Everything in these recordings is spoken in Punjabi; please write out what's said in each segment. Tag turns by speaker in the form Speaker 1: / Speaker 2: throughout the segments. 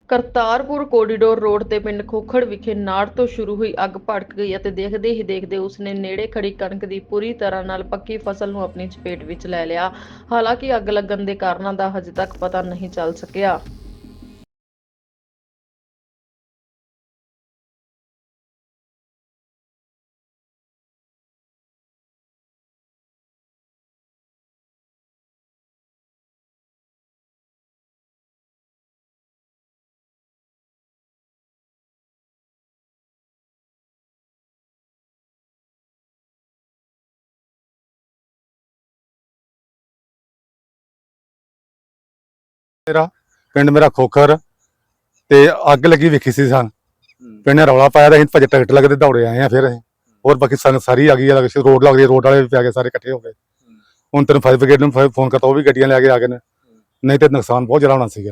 Speaker 1: ਕਰਤਾਰਪੁਰ ਕੋਰੀਡੋਰ ਰੋਡ ਤੇ ਪਿੰਡ ਖੋਖੜ ਵਿਖੇ ਨਾੜ ਤੋਂ ਸ਼ੁਰੂ ਹੋਈ ਅੱਗ ਭੜਕ ਗਈ ਅਤੇ ਦੇਖਦੇ ਹੀ ਦੇਖਦੇ ਉਸਨੇ ਨੇੜੇ ਖੜੀ ਕਣਕ ਦੀ ਪੂਰੀ ਤਰ੍ਹਾਂ ਨਾਲ ਪੱਕੀ ਫਸਲ ਨੂੰ ਆਪਣੀ ਚਪੇਟ ਵਿੱਚ ਲੈ ਲਿਆ। ਹਾਲਾਂਕਿ ਅੱਗ ਲੱਗਣ ਦੇ ਕਾਰਨਾਂ ਦਾ ਹਜੇ ਤੱਕ ਪਤਾ ਨਹੀਂ ਚੱਲ ਸਕਿਆ।
Speaker 2: ਪਿੰਡ ਮੇਰਾ ਖੋਖਰ ਤੇ ਅੱਗ ਲੱਗੀ ਵੇਖੀ ਸੀ ਸਾਂ ਪਿੰਡ ਨੇ ਰੌਲਾ ਪਾਇਆ ਤਾਂ ਅਸੀਂ ਭੱਜ ਟਰੈਕਟਰ ਲੱਗਦੇ ਦੌੜੇ ਆਏ ਆ। ਫਿਰ ਅਸੀਂ ਹੋਰ ਬਾਕੀ ਸੰਗਤ ਸਾਰੀ ਆ ਗਈ, ਰੋਡ ਲੱਗਦੀ, ਰੋਡ ਵਾਲੇ ਵੀ ਪੈ ਗਏ ਸਾਰੇ ਇਕੱਠੇ ਹੋ ਗਏ। ਹੁਣ ਤੈਨੂੰ ਫਾਇਰ ਬ੍ਰਿਗੇਡ ਨੂੰ ਫੋਨ ਕਰਤਾ, ਉਹ ਵੀ ਗੱਡੀਆਂ ਲੈ ਕੇ ਆ ਗਏ ਨੇ, ਨਹੀਂ ਤੇ ਨੁਕਸਾਨ ਬਹੁਤ ਜ਼ਿਆਦਾ ਹੋਣਾ ਸੀਗਾ।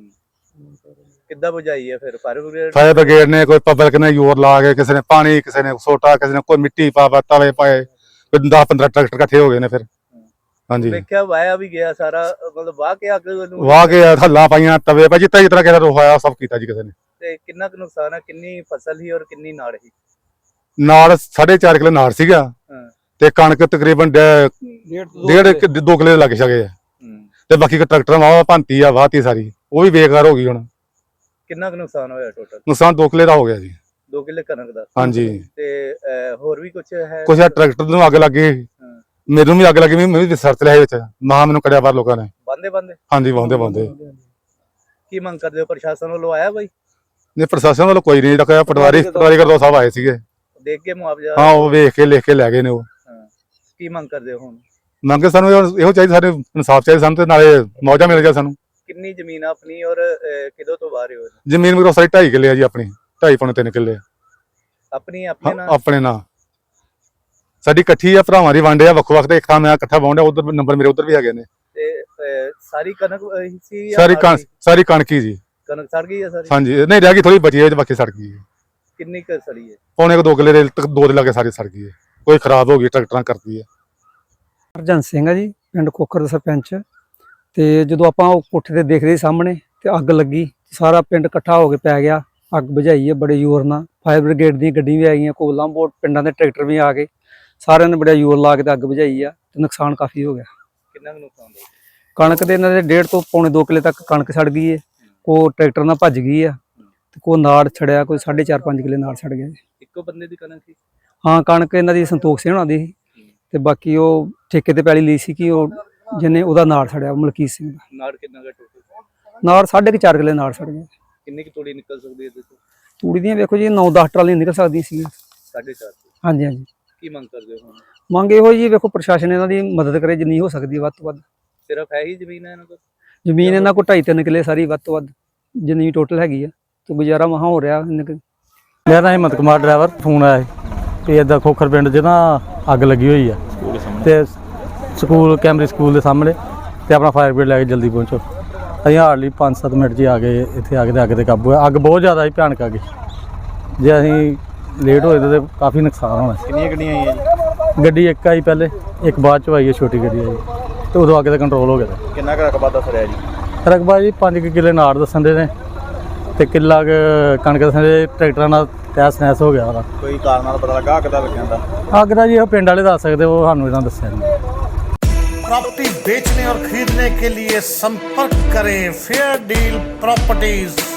Speaker 3: ਕਿੱਦਾਂ ਬੁਝਾਈ ਹੈ ਫਿਰ
Speaker 2: ਫਾਇਰ ਬ੍ਰਿਗੇਡ ਨੇ? ਕੋਈ ਪਬਲਿਕ ਨੇ ਜ਼ੋਰ ਲਾ ਕੇ, ਕਿਸੇ ਨੇ ਪਾਣੀ, ਕਿਸੇ ਨੇ ਸੋਟਾ, ਕਿਸੇ ਨੇ ਕੋਈ ਮਿੱਟੀ ਪਾ ਤਵੇ ਪਾਏ, 10-15 ਟਰੈਕਟਰ ਇਕੱਠੇ ਹੋ ਗਏ ਨੇ। ਫਿਰ ਹਾਂਜੀ
Speaker 3: ਵੇਖਿਆ ਵਾਇਆ ਵੀ ਗਿਆ ਸਾਰਾ, ਮਤਲਬ ਵਾਹ ਕੇ ਅੱਗ ਨੂੰ
Speaker 2: ਵਾਹ ਕੇ ਹੱਲਾਂ ਪਾਈਆਂ, ਤਵੇ ਪਾ ਜਿੱਤਾ ਜਿਸ ਤਰ੍ਹਾਂ ਕਿਸੇ ਰੋਹਾਇਆ ਸਭ ਕੀਤਾ ਜੀ ਕਿਸੇ ਨੇ।
Speaker 3: ਤੇ ਕਿੰਨਾ ਕੁ ਨੁਕਸਾਨ ਹੈ? ਕਿੰਨੀ ਫਸਲ ਸੀ ਔਰ ਕਿੰਨੀ ਨਾੜ ਸੀ?
Speaker 2: ਨਾਲ 4.5 ਕਿੱਲੇ ਨਾੜ ਸੀਗਾ ਤੇ ਕਣਕ ਤਕਰੀਬਨ 1.5-2 ਕਿੱਲੇ ਲੱਗ ਸਕੇ ਆ ਤੇ ਬਾਕੀ ਟਰੈਕਟਰ ਵਾਹ ਭੰਤੀ ਆ, ਵਾਹਤੀ ਸਾਰੀ, ਉਹ ਵੀ ਬੇਕਾਰ ਹੋ ਗਈ। ਹੁਣ
Speaker 3: ਕਿੰਨਾ ਕੁ ਨੁਕਸਾਨ ਹੋਇਆ ਟੋਟਲ?
Speaker 2: ਨੁਕਸਾਨ 2 ਕਿੱਲੇ ਦਾ ਹੋ ਗਿਆ ਜੀ।
Speaker 3: 2 ਕਿੱਲੇ ਕਣਕ ਦਾ?
Speaker 2: ਹਾਂਜੀ।
Speaker 3: ਤੇ ਹੋਰ ਵੀ ਕੁਝ ਹੈ?
Speaker 2: ਕੁਛ ਟਰੈਕਟਰ ਨੂੰ ਅੱਗ ਲੱਗੀ, ਮੈਨੂੰ ਵੀ ਅੱਗ ਲੱਗੀ, ਮੈਂ ਵੀ ਸਰਚ ਲਿਆ ਵਿੱਚ, ਮਹਾ ਮੈਨੂੰ ਕੜਿਆ ਬਾਹਰ ਲੋਕਾਂ ਨੇ
Speaker 3: ਬੰਦੇ
Speaker 2: ਹਾਂਜੀ ਵਾਹੁੰਦੇ।
Speaker 3: ਕੀ ਮੰਗ ਕਰਦੇ ਹੋ? ਪ੍ਰਸ਼ਾਸਨ ਵੱਲੋਂ ਆਇਆ ਕੋਈ?
Speaker 2: ਨਹੀਂ, ਪ੍ਰਸ਼ਾਸਨ ਵੱਲੋਂ ਕੋਈ ਨਹੀਂ ਰੱਖਿਆ। ਪਟਵਾਰੀ ਕਰਦੋ ਸਾਹਿਬ ਆਏ ਸੀਗੇ,
Speaker 3: ਦੇਖ ਕੇ ਮੁਆਵਜ਼ਾ?
Speaker 2: ਹਾਂ, ਉਹ ਵੇਖ ਕੇ ਲਿਖ ਕੇ ਲੈ ਗਏ ਨੇ। ਉਹ
Speaker 3: ਕੀ ਮੰਗ ਕਰਦੇ ਹੋ ਹੁਣ?
Speaker 2: ਮੰਗੇ ਸਾਨੂੰ ਇਹੋ ਚਾਹੀਦਾ, ਸਾਡੇ ਇਨਸਾਫ ਚਾਹੀਦਾ ਸਾਨੂੰ, ਤੇ ਨਾਲੇ ਮੌਜਾ ਮਿਲ ਜਾ ਸਾਨੂੰ।
Speaker 3: ਕਿੰਨੀ ਜ਼ਮੀਨ ਆਪਣੀ ਔਰ ਕਿਦੋਂ ਤੋਂ ਬਾਹਰ ਹੋ?
Speaker 2: ਜ਼ਮੀਨ ਮੇਰੀ ਸਾਰੀ 2.5 ਕਿੱਲੇ ਆ ਜੀ, ਆਪਣੀ 2.5-3 ਕਿੱਲੇ
Speaker 3: ਆਪਣੀ
Speaker 2: ਆਪਣੇ ਨਾਂ ਸਾਡੀ ਇਕੱਠੀ ਆ, ਭਰਾਵਾਂ ਦੀ ਵੰਡ ਆ, ਵੱਖੋ ਵੱਖ ਤੇ ਇੱਕ ਥਾਂ ਮੈਂ ਇਕੱਠਾ ਵਾਹੁੰਦਾ, ਉਧਰ ਨੰਬਰ ਮੇਰੇ ਉਧਰ ਵੀ ਹੈਗੇ ਨੇ।
Speaker 3: ਤੇ ਸਾਰੀ ਕਣਕ ਸੀ?
Speaker 2: ਸਾਰੀ ਕਣਕ ਹੀ ਜੀ।
Speaker 3: ਕਣਕ ਸੜ ਗਈ ਹੈ ਸਾਰੀ?
Speaker 2: ਹਾਂਜੀ, ਨਹੀਂ ਰਹਿ ਗਈ ਥੋੜੀ ਬਚੀ ਹੈ, ਬਾਕੀ ਸੜ ਗਈ ਹੈ।
Speaker 3: ਕਿੰਨੀ ਕੁ ਸੜੀ ਹੈ?
Speaker 2: ਪੌਣੇ 2 ਕਿੱਲੇ ਦੇ 2 ਦੇ ਲਾਗੇ ਸਾਰੀ ਸੜ ਗਈ ਹੈ, ਕੋਈ ਖਰਾਬ ਹੋ ਗਈ, ਟਰੈਕਟਰਾਂ ਕਰਦੀ ਹੈ।
Speaker 4: ਹਰਜਨ ਸਿੰਘ ਆ ਜੀ, ਪਿੰਡ ਖੋਖਰ ਦਾ ਸਰਪੰਚ। ਤੇ ਜਦੋਂ ਆਪਾਂ ਉਹ ਕੋਠੇ ਤੇ ਦੇਖਦੇ ਸਾਹਮਣੇ ਤੇ ਅੱਗ ਲੱਗੀ, ਸਾਰਾ ਪਿੰਡ ਇਕੱਠਾ ਹੋ ਕੇ ਪੈ ਗਿਆ, ਅੱਗ ਬੁਝਾਈ ਹੈ ਬੜੇ ਜ਼ੋਰ ਨਾਲ। ਫਾਇਰ ਬ੍ਰਿਗੇਡ ਦੀਆਂ ਗੱਡੀਆਂ ਵੀ ਆ ਗਈਆਂ, ਕੋਲਾਂ ਬੋਟ ਪਿੰਡਾਂ ਦੇ ਟਰੈਕਟਰ ਵੀ ਆ ਗਏ, ਸਾਰਿਆਂ ਨੇ ਬੜਾ ਜ਼ੋਰ ਲਾ ਕੇ ਤੇ ਅੱਗ ਬੁਝਾਈ ਆ ਤੇ ਨੁਕਸਾਨ ਕਾਫੀ ਹੋ ਗਿਆ।
Speaker 3: ਕਿੰਨਾ ਕੁ ਨੁਕਸਾਨ ਹੋਇਆ?
Speaker 4: ਕਣਕ ਦੇ ਇਹਨਾਂ ਦੇ 1.5 ਤੋਂ ਪੌਣੇ 2 ਕਿੱਲੇ ਤੱਕ ਕਣਕ ਸੜ ਗਈ ਹੈ, ਕੋ ਟਰੈਕਟਰ ਨਾਲ ਭੱਜ ਗਈ ਆ ਤੇ ਕੋ ਨਾੜ ਛੜਿਆ, ਕੋਈ 4.5-5 ਕਿੱਲੇ ਨਾੜ ਛੜ ਗਿਆ।
Speaker 3: ਇੱਕੋ ਬੰਦੇ ਦੀ ਕਣਕ ਸੀ?
Speaker 4: ਹਾਂ, ਕਣਕ ਇਹਨਾਂ ਦੀ ਸੰਤੋਖ ਸਿੰਘ ਹੋਣਾ ਦੀ ਸੀ ਤੇ ਬਾਕੀ ਉਹ ਠੇਕੇ ਤੇ ਪੈਲੀ ਲਈ ਸੀ ਕਿ ਉਹ ਜਿਹਨੇ ਉਹਦਾ ਨਾੜ ਛੜਿਆ, ਮਲਕੀਤ ਸਿੰਘ ਦਾ।
Speaker 3: ਨਾੜ ਕਿੰਨਾ ਕੁ ਟੋਟਲ?
Speaker 4: ਨਾੜ 4.5 ਕਿੱਲੇ ਨਾੜ ਛੜ ਗਿਆ।
Speaker 3: ਕਿੰਨੀ ਕੁ ਤੂੜੀ ਨਿਕਲ ਸਕਦੀ ਹੈ ਇਹਦੇ ਤੋਂ?
Speaker 4: ਤੂੜੀ ਦੀਆਂ ਵੇਖੋ ਜੀ 9-10 ਟਰਾਲੀਆਂ ਨਿਕਲ ਸਕਦੀਆਂ ਸੀ।
Speaker 3: 4.5?
Speaker 4: ਹਾਂਜੀ।
Speaker 3: ਕੀ ਮੰਗ ਕਰਦੇ ਹੋ ਹੁਣ?
Speaker 4: ਮੰਗ ਇਹੋ ਜੀ, ਵੇਖੋ ਪ੍ਰਸ਼ਾਸਨ ਇਹਨਾਂ ਦੀ ਮਦਦ ਕਰੇ ਜਿੰਨੀ ਹੋ ਸਕਦੀ ਵੱਧ ਤੋਂ ਵੱਧ।
Speaker 3: ਸਿਰਫ ਹੈ ਹੀ ਜ਼ਮੀਨ ਹੈ ਇਹਨਾਂ ਕੋਲ?
Speaker 4: ਜ਼ਮੀਨ ਇਹਨਾਂ ਕੋਲ 2.5-3 ਕਿੱਲੇ ਸਾਰੀ, ਵੱਧ ਤੋਂ ਵੱਧ ਜਿੰਨੀ ਟੋਟਲ ਹੈਗੀ ਆ, ਤੇ ਗੁਜ਼ਾਰਾ ਮਹਾ ਹੋ ਰਿਹਾ।
Speaker 5: ਮੇਰਾ ਨਾਮ ਹਿੰਮਤ ਕੁਮਾਰ, ਡਰਾਈਵਰ। ਫੋਨ ਆਇਆ ਕਿ ਇੱਦਾਂ ਖੋਖਰ ਪਿੰਡ 'ਚ ਨਾ ਅੱਗ ਲੱਗੀ ਹੋਈ ਆ ਤੇ ਸਕੂਲ ਕੈਂਬਰਿਜ ਸਕੂਲ ਦੇ ਸਾਹਮਣੇ, ਤੇ ਆਪਣਾ ਫਾਇਰ ਬ੍ਰਿਗੇਡ ਲੈ ਕੇ ਜਲਦੀ ਪਹੁੰਚੋ। ਅਸੀਂ ਹਾਰਡਲੀ 5-7 ਮਿੰਟ 'ਚ ਆ ਗਏ ਇੱਥੇ, ਆ ਕੇ ਤੇ ਅੱਗ 'ਤੇ ਕਾਬੂ ਹੈ। ਅੱਗ ਬਹੁਤ ਜ਼ਿਆਦਾ ਸੀ, ਭਿਆਨਕ ਆ ਗਈ। ਜੇ ਅਸੀਂ ਲੇਟ ਹੋਏ ਤਾਂ ਕਾਫੀ ਨੁਕਸਾਨ ਹੋਣਾ।
Speaker 3: ਕਿੰਨੀਆਂ ਗੱਡੀਆਂ ਆਈਆਂ ਜੀ?
Speaker 5: ਗੱਡੀ ਇੱਕ ਆਈ ਪਹਿਲੇ, ਇੱਕ ਬਾਅਦ 'ਚ ਆਈ ਹੈ, ਛੋਟੀ ਗੱਡੀ ਆਈ, ਤੇ ਉਦੋਂ ਅੱਗ 'ਤੇ ਕੰਟਰੋਲ ਹੋ ਗਿਆ।
Speaker 3: ਕਿੰਨਾ ਕੁ ਰਕਬਾ ਦੱਸ ਰਿਹਾ ਜੀ?
Speaker 5: ਰਕਬਾ ਜੀ 5 ਕਿੱਲੇ ਨਾੜ ਦੱਸਣ ਦੇ ਨੇ ਤੇ ਕਿੱਲਾ ਕਣਕ ਦੱਸਣ ਦੇ। ਟਰੈਕਟਰਾਂ ਨਾਲ ਤਹਿਸ ਨਹਿਸ ਹੋ ਗਿਆ ਉਹਦਾ।
Speaker 3: ਕੋਈ ਕਾਰਨ ਨਾਲ ਪਤਾ ਲੱਗਾ ਅੱਗ ਦਾ ਲੱਗਿਆ ਦਾ?
Speaker 5: ਅੱਗ ਦਾ ਜੀ ਉਹ ਪਿੰਡ ਵਾਲੇ ਦੱਸ ਸਕਦੇ, ਉਹ ਸਾਨੂੰ ਇਹਨਾਂ ਦੱਸਿਆ ਨਹੀਂ।
Speaker 6: प्रॉपर्टी बेचने और खरीदने के लिए संपर्क करें फेयर डील प्रॉपर्टीज।